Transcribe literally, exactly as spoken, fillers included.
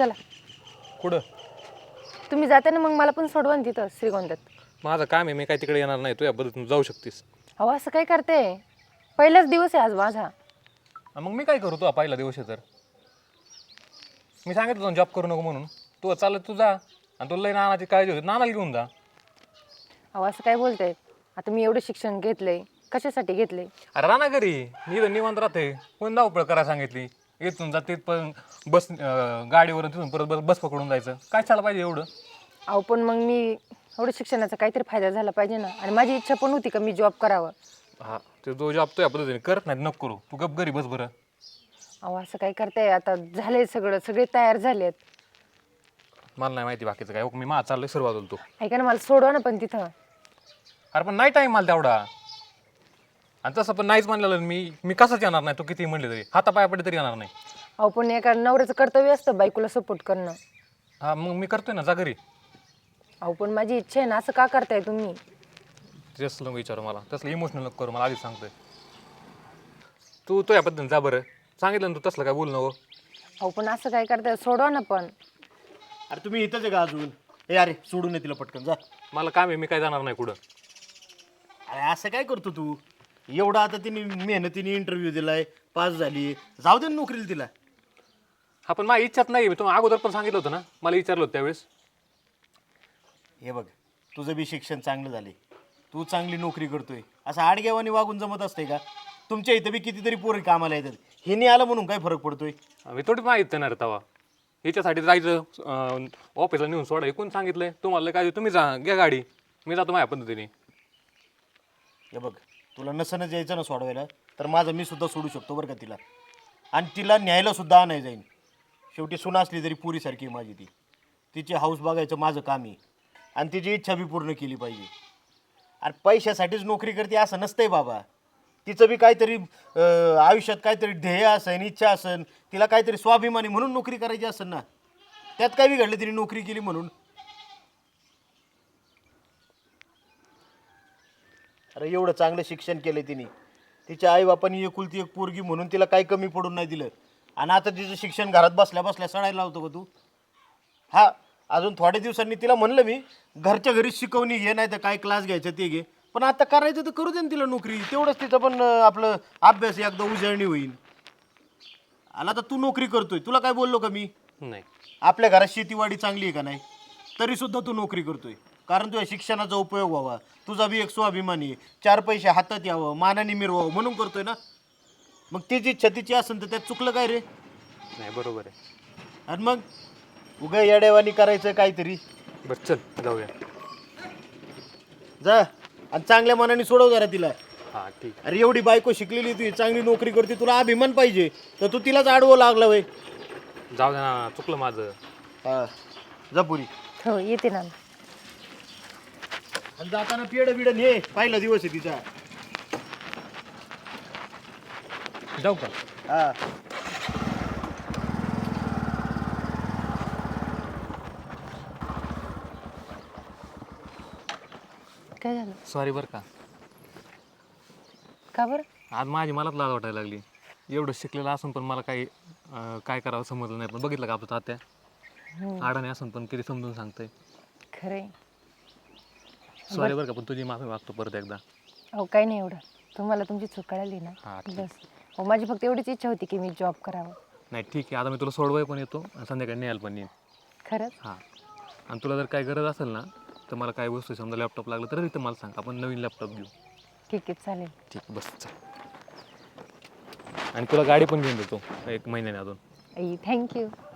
चला. कुठं? तुम्ही जाता ना, मग मला पण सोडवा ना तिथं श्रीगोंद्यात. माझं काम आहे, मी काय तिकडे येणार नाही. तू या पद्धतीने जाऊ शकतीस. अहो असं काय करते? पहिलाच दिवस आहे आज माझा. मग मी काय करू? तू पहिला दिवस आहे तर मी सांगितलं तुला जॉब करू नको म्हणून. तू चालत तू जा, आणि तुला लई नानाची काळजी होती, नानाला घेऊन जा. अहो असं काय बोलताय? आता मी एवढं शिक्षण घेतलंय, कशासाठी घेतलंय? अरे राणा घरी मी इथं निवांत राहते. कोण धावपळ करायला सांगितली? इथून जा तिथ पण बस गाडीवरून तिथून परत बस बस पकडून जायचं. काय चाललं पाहिजे एवढं? अहो पण मग मी एवढं शिक्षणाचा काहीतरी फायदा झाला पाहिजे ना. आणि माझी इच्छा पण होती का मी जॉब करावं. हा, ते जो जॉब तो या पद्धतीने करत नाही नको करू. तू गप घरी बस बरं. अहो असं काय करताय? आता झालंय सगळं, सगळे तयार झालेत. मला नाही माहिती बाकीचं काय. मी माझं चाललोय सुरुवात होतो. ऐका ना, मला सोडवा ना पण तिथं. अरे पण नाही टाईम मला तेवढा. आणि तसं पण नाहीच म्हणलेलं मी मी कसंच येणार नाही. तू किती म्हणले तरी हातापाया पडे तरी येणार नाही. अहो पण एका नवऱ्याचं कर्तव्य असतं बायकोला सपोर्ट करणं. हा मग मी करतोय ना, जा घरी. अहो पण माझी इच्छा आहे ना, असं का करताय तुम्ही? तसलं विचारू मला, तसलं इमोशनल नको करू मला, आधीच सांगतोय. तू तो या पद्धतीने जा बरं. सांगितलं ना तू तसलं काय बोल नको. अहो पण असं काय करताय? सोडवा ना पण. अरे तुम्ही इथंच आहे का अजून? ए अरे सोडून ये तिला पटकन जा. मला काम आहे, मी काय जाणार नाही कुठं. अरे असं काय करतो तू? एवढा आता तिने मेहनतीने इंटरव्ह्यू दिलाय, पास झाली, जाऊ दे ना नोकरीला तिला. हा पण माझी इच्छाच नाही. मी तुम्हाला अगोदर पण सांगितलं होतं ना, मला विचारलं होतं त्यावेळेस. हे बघ, तुझं बी शिक्षण चांगलं झाले, तू चांगली नोकरी करतोय, असं आडगेवानी वागून जमत असते का? तुमच्या इथं बी कितीतरी पोरी कामाला येतात. हे नाही आलं म्हणून काय फरक पडतोय? मी थोडी माहीत देणार तवा. हिच्यासाठी जायचं ऑफिसला नेऊन सोडा. हे कोण सांगितलंय तुम्हाला? काय तुम्ही जा, घ्या गाडी, मी जातो माझ्या पद्धतीने. हे बघ, तुला नसनच यायचं ना सोडवायला, तर माझं मी सुद्धा सोडू शकतो बरं का तिला. आणि तिला न्यायला सुद्धा आणाय जाईन. शेवटी सुना असली तरी पुरीसारखी आहे माझी ती. तिची हाऊस बघायचं माझं काम आहे, आणि तिची इच्छा बी पूर्ण केली पाहिजे. आणि पैशासाठीच नोकरी करते असं नसतंय बाबा. तिचं बी काहीतरी आयुष्यात काहीतरी ध्येय असेल, इच्छा असेल, तिला काहीतरी स्वाभिमानी म्हणून नोकरी करायची असेल ना. त्यात काय बिघडलं तिने नोकरी केली म्हणून? अरे एवढं चांगलं शिक्षण केलं तिने, तिच्या आईबापांनी एकुलती एक पोरगी म्हणून तिला काही कमी पडून नाही दिलं. आणि आता तिचं शिक्षण घरात बसल्या बसल्या सडायला लावतो का तू? हा, अजून थोड्या दिवसांनी तिला म्हणलं मी, घरच्या घरीच शिकवणी घे, नाही तर काय क्लास घ्यायचं ते घे, पण आता करायचं तर करू दे ना तिला नोकरी. तेवढंच तिचं पण आपलं अभ्यास एकदा उजळणी होईल. आला तर तू नोकरी करतोय, तुला काय बोललो का मी? नाही, आपल्या घरात शेतीवाडी चांगली आहे का नाही, तरी सुद्धा तू नोकरी करतोय. कारण तुझ्या शिक्षणाचा उपयोग व्हावा, तुझा बी एक स्वाभिमानी आहे, चार पैसे हातात यावं, मानाने मिरवावं म्हणून करतोय ना. मग तिची इच्छा तिची असेल तर त्यात चुकलं काय रे? नाही बरोबर आहे. आणि मग उगा येडेवानी करायचं काहीतरी. बरं चल जाऊया. जा, आणि चांगल्या मनाने सोडव जरा तिला. हां ठीक. अरे एवढी बायको शिकलेली, तू चांगली नोकरी करते, तुला अभिमान पाहिजे, तर तू तिलाच आडवं लागला वय. जाऊ दे ना, चुकलं माझं. हा, जा पुरी. हो येते ना. आणि जाताना पेड बिडन हे पहिला दिवस आहे तिचा. जाऊ का? हा. काय झालं? सॉरी बरं का. का बरं? आज माझी मलाच लाज वाटायला लागली. एवढं शिकलेलं असून पण मला काही अं, काय करावं समजलं नाही. पण बघितलं का आपलं तात्या आडाने असून पण किती समजून सांगतंय. खरंय. सॉरी बरं का, पण तुझी माफी मागतो परत एकदा. अहो काही नाही एवढं. तुम्हाला तुमची चूक कळाली ना, हा, ठीक. बस. हो, माझी फक्त एवढीच इच्छा होती की मी जॉब करावं. नाही ठीक आहे, आता मी तुला सोडवाय पण येतो आणि संध्याकाळी न्यायला पण येईन. खरंच? हां, आणि तुला जर काही गरज असेल ना, तर मला काही वस्तू समजा लॅपटॉप लागलं तर तिथं मला सांग, आपण नवीन लॅपटॉप घेऊ. ठीक आहे, चालेल. ठीक, बस चल. आणि तुला गाडी पण घेऊन देतो एक महिन्याने अजून. आई थँक्यू.